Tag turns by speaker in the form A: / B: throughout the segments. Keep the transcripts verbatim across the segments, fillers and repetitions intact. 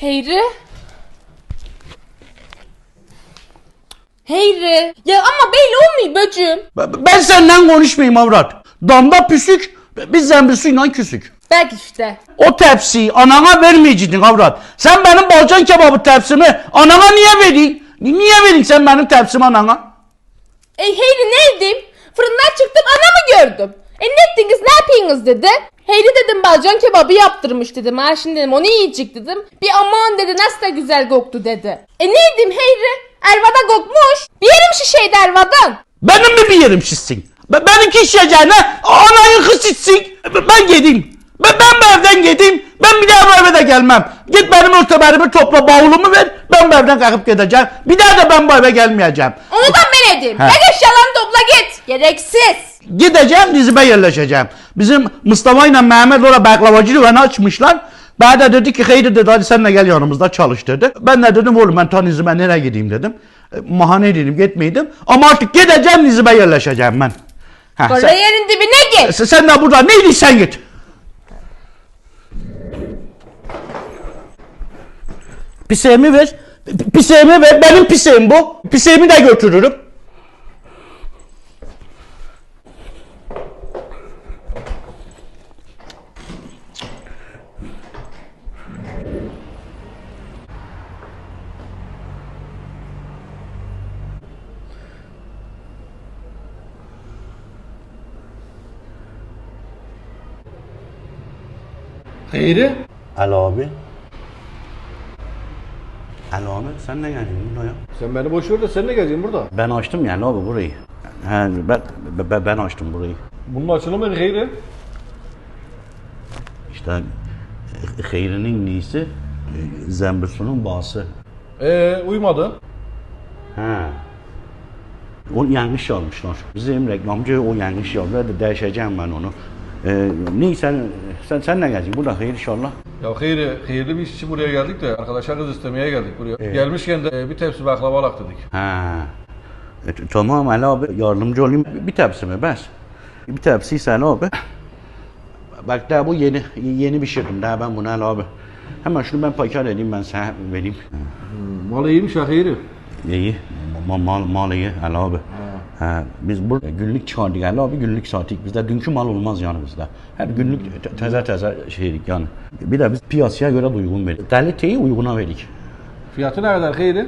A: Heyri. Heyri. Ya ama belli olmuyor bacım.
B: Ben, ben senden konuşmayayım avrat. Damda püsük, biz zembil suyla küsük.
A: Bak işte.
B: O tepsiyi anana vermeyecektin avrat. Sen benim balcan kebabı tepsimi anana niye verdin? Niye verdin sen benim tepsimi anana?
A: E Heyri ne edeyim? Fırından çıktım anamı gördüm. E ne ettiniz ne yapıyorsunuz dedi. Heyri dedim balcan kebabı yaptırmış dedim. Ha şimdi dedim onu yiyecek dedim. Bir aman dedi nasıl da güzel koktu dedi. E ne edeyim Heyri? Ervada kokmuş. Bir yerim şişeydi Ervadan.
B: Benim mi bir yerim şişsin? Ben, benimki şişeceğine anayın kız şişsin. Ben gideyim. Ben, ben bu evden gideyim. Ben bir daha bu eve de gelmem. Git benim örtüberimi topla, bavulumu ver. Ben bu evden kalkıp gideceğim. Bir daha da ben bu eve gelmeyeceğim.
A: Onu da ben edeyim.
B: He.
A: Gel eşyalarını topla git. Gereksiz.
B: Gideceğim, dizime yerleşeceğim. Bizim Mustafa ile Mehmet orada baklavacı dükkanı açmışlar. Bana da dedi ki haydi dedi hadi sen de gel yanımızda çalış dedi. Ben de dedim oğlum ben ta Nizip'e nereye gideyim dedim. E, mahane dedim gitmeydim. Ama artık gideceğim, Nizip'e yerleşeceğim ben. Heh,
A: Orada
B: sen,
A: yerin dibine git.
B: sen, sen de burada neydi sen git. Piseğimi ver. Piseğimi ver. Benim piseğim bu. Piseğimi de götürürüm.
C: Hayri?
B: Alo abi. Alo abi sen ne geldin buraya?
C: Sen beni boş ver de sen ne geleceksin burada?
B: Ben açtım yani abi burayı. He, ben, ben, ben açtım burayı.
C: Bunun açılımı ne Hayri?
B: İşte e, Hayri'nin neyisi, e, Zembirsu'nun bağısı.
C: Eee uymadı.
B: He. O yanlış yazmışlar. Bizim reklamcı o yanlış yazdı. Hadi değişeceğim ben onu. Ee, ne sen, sen, sen ne geleceksin? Burada hayır inşallah.
C: Ya Hayri, hayırlı bir iş için buraya geldik de arkadaşlar kız istemeye geldik buraya.
B: Evet.
C: Gelmişken de bir tepsi baklava alak dedik.
B: Ha. E, t- tamam Ali abi yardımcı olayım. Bir tepsi mi bes? Bir tepsi sen abi. Bak daha bu yeni yeni pişirdim daha ben bunu Ali abi. Hemen şunu ben paket edeyim ben sana vereyim.
C: Hmm, mal iyiymiş ha Hayri.
B: İyi. Mal, mal, mal iyi Ali abi. Ha, biz burada günlük çıkardık Ali abi günlük sattık. Bizde dünkü mal olmaz yani bizde. Her günlük te- teze teze şeydik yani. Bir de biz piyasaya göre de uygun verdik. Kaliteyi uyguna verdik.
C: Fiyatı ne kadar Hayri?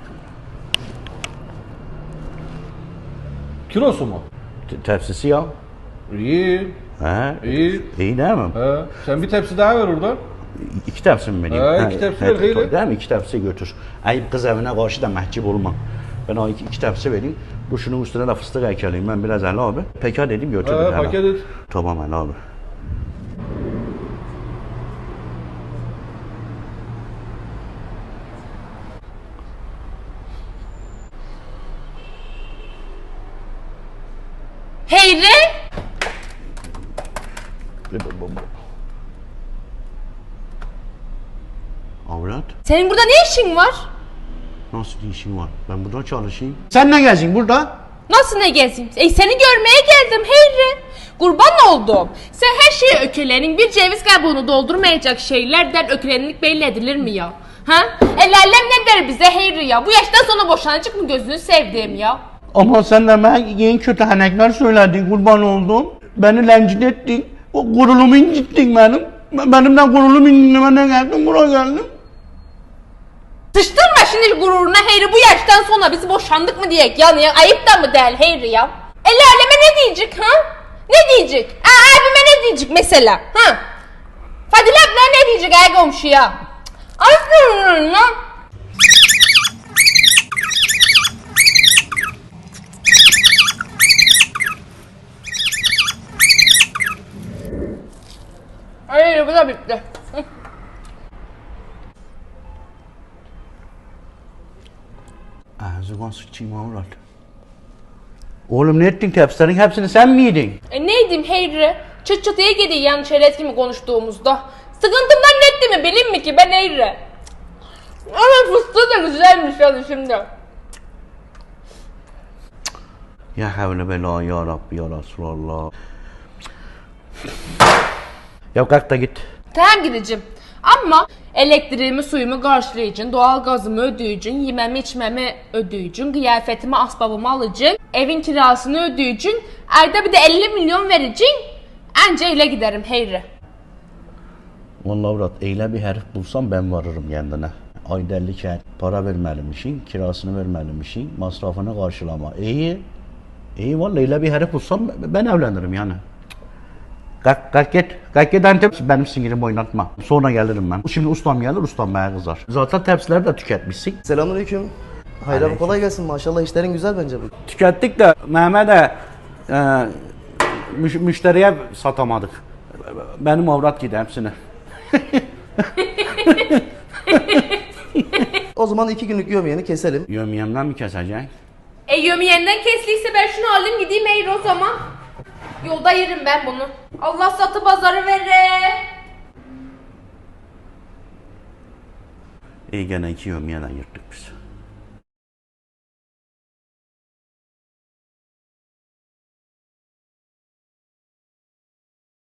C: Kilosu mu?
B: Te- Tepsisi ya.
C: İyi.
B: Ha,
C: İyi.
B: iyi değil mi?
C: He. Sen bir tepsi daha ver oradan.
B: İki tepsi mi vereyim?
C: Ha, iki tepsi ver, hayır.
B: Değil mi? İki tepsi götür. Ayıp kız evine karşı da mahcup olma. Ben o iki, iki tepsi vereyim. Bu şunun üstüne de fıstık ekeleyim ben biraz Ali abi. Pekat edeyim götür.
C: He, paket et.
B: Tamam Ali abi.
A: Heyri.
B: Avrat.
A: Senin burada ne işin var?
B: Nasıl bir işin var? Ben burada çalışayım. Sen ne geldin burada?
A: Nasıl ne gezeyim? E seni görmeye geldim Heyri. Kurban oldum. Sen her şeyi ökelenin. Bir ceviz kabuğunu doldurmayacak şeylerden ökelenlik belli edilir mi ya? Ha? El alem ne der bize Heyri ya? Bu yaştan sonra boşanacak mı gözünü sevdiğim ya?
B: Ama sen de bana yeni kötü hanekler söyledin kurban oldum. Beni rencide ettin. O gurulumu incittin benim. Ben- Benimden gurulumu incitmene geldim buraya geldim.
A: Sıçtırma şimdi gururuna Heyri, bu yaştan sonra biz boşandık mı diyek yani ya? Ayıp da mı değil Heyri ya? El aleme ne diyecek ha? Ne diyecek? Aa, abime ne diyecek mesela ha? Fadile abla ne diyecek ay komşuya? Aferin lan. Hayır bu da bitti.
B: Ağzıma sıçayım avrat. Oğlum ne ettin tepsilerin hepsini sen mi yedin?
A: E neydim Heyri? Çıt çıtıya gidiyor yani çerez gibi konuştuğumuzda. Sıkıntımdan ne etti mi bileyim mi ki ben Heyri? Ama fıstığı da güzelmiş hadi şimdi.
B: Ya havle bela ya Rabbi ya Resulallah. Ya kalk da git.
A: Tamam gideceğim. Ama elektriğimi, suyumu qarşılayıcın, doğal gazımı ödəyicin, yeməmi, içməmi ödəyicin, qiyafətimi, asbabımı alıcın, evin kirasını ödəyicin, ayda bir de elli milyon vericin, əncə elə gidərim Heyri.
B: Vallahi avrat, elə bir hərif bulsam ben varırım kendine. Ayda elli kər para verməlimişin, kirasını verməlimişin, masrafını karşılama. İyi. İyi vallahi elə bir hərif bulsam ben evlenirim yani. Kalk, kalk git. Kalk git Antep. Benim sinirimi oynatma. Sonra gelirim ben. Şimdi ustam gelir, ustam bana kızar. Zaten tepsileri de tüketmişsin.
D: Selamünaleyküm. Hayır abi kolay gelsin. Maşallah işlerin güzel bence bu.
B: Tükettik de Mehmet'e e, müş, müşteriye satamadık. Benim avrat gider hepsini.
D: O zaman iki günlük yövmiyeni keselim.
B: Yömyemden mi keseceksin?
A: E yömiyenden kesliyse ben şunu alayım gideyim Heyri o zaman. Yolda yerim ben bunu. Allah satı pazarı vere.
B: İyi gene iki yömyeden yırttık biz.